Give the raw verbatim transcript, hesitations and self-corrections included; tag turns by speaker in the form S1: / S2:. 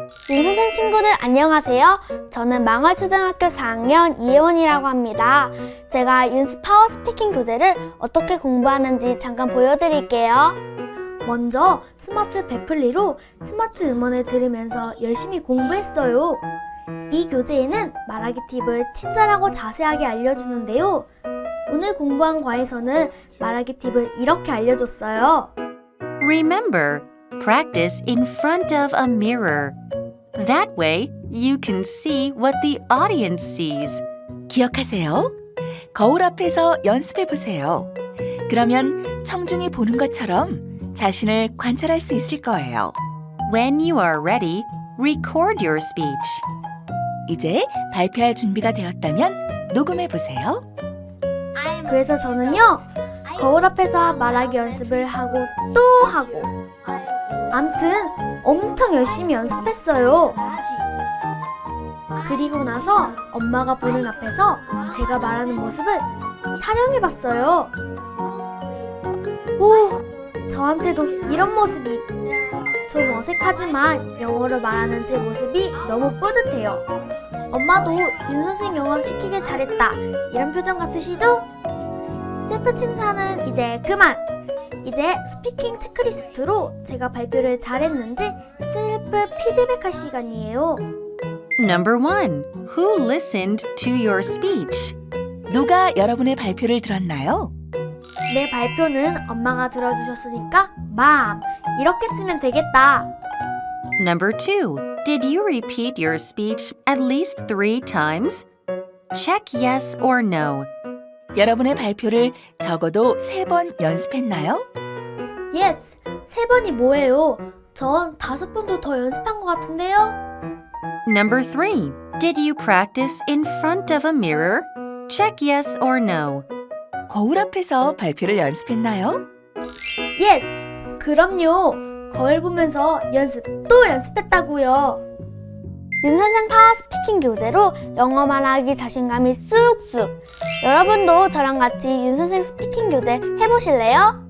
S1: 윤 선생 친구들 안녕하세요. 저는 망월초등학교 사 학년 이혜원이라고 합니다. 제가 윤스 파워 스피킹 교재를 어떻게 공부하는지 잠깐 보여드릴게요. 먼저 스마트 베플리로 스마트 음원을 들으면서 열심히 공부했어요. 이 교재에는 말하기 팁을 친절하고 자세하게 알려주는데요. 오늘 공부한 과에서는 말하기 팁을 이렇게 알려줬어요.
S2: Remember, practice in front of a mirror. That way, you can see what the audience sees.
S3: 기억하세요. 거울 앞에서 연습해 보세요. 그러면 청중이 보는 것처럼 자신을 관찰할 수 있을 거예요.
S2: When you are ready, record your speech.
S3: 이제 발표할 준비가 되었다면 녹음해 보세요.
S1: 그래서 저는요, 거울 앞에서 말하기 연습을 하고 또 하고 암튼 엄청 열심히 연습했어요. 그리고 나서 엄마가 보는 앞에서 제가 말하는 모습을 촬영해봤어요. 오, 저한테도 이런 모습이. 좀 어색하지만 영어로 말하는 제 모습이 너무 뿌듯해요. 엄마도 윤 선생 영어 시키길 잘했다, 이런 표정 같으시죠? 셀프 칭찬은 이제 그만! 이제 스피킹 체크리스트로 제가 발표를 잘했는지 셀프 피드백할 시간이에요.
S2: Number one, who listened to your speech?
S3: 누가 여러분의 발표를 들었나요?
S1: 내 발표는 엄마가 들어주셨으니까 맘! 이렇게 쓰면 되겠다.
S2: Number two, did you repeat your speech at least three times? Check yes or no.
S3: 여러분의 발표를 적어도 세 번 연습했나요?
S1: 예스! 세 번이 뭐예요? 전 다섯 번도 더 연습한 것 같은데요?
S2: Number three, did you practice in front of a mirror? Check yes or no.
S3: 거울 앞에서 발표를 연습했나요?
S1: 예스! 그럼요! 거울 보면서 연습 또 연습했다고요. 윤 선생 파워 스피킹 교재로 영어 말하기 자신감이 쑥쑥! 여러분도 저랑 같이 윤 선생 스피킹 교재 해보실래요?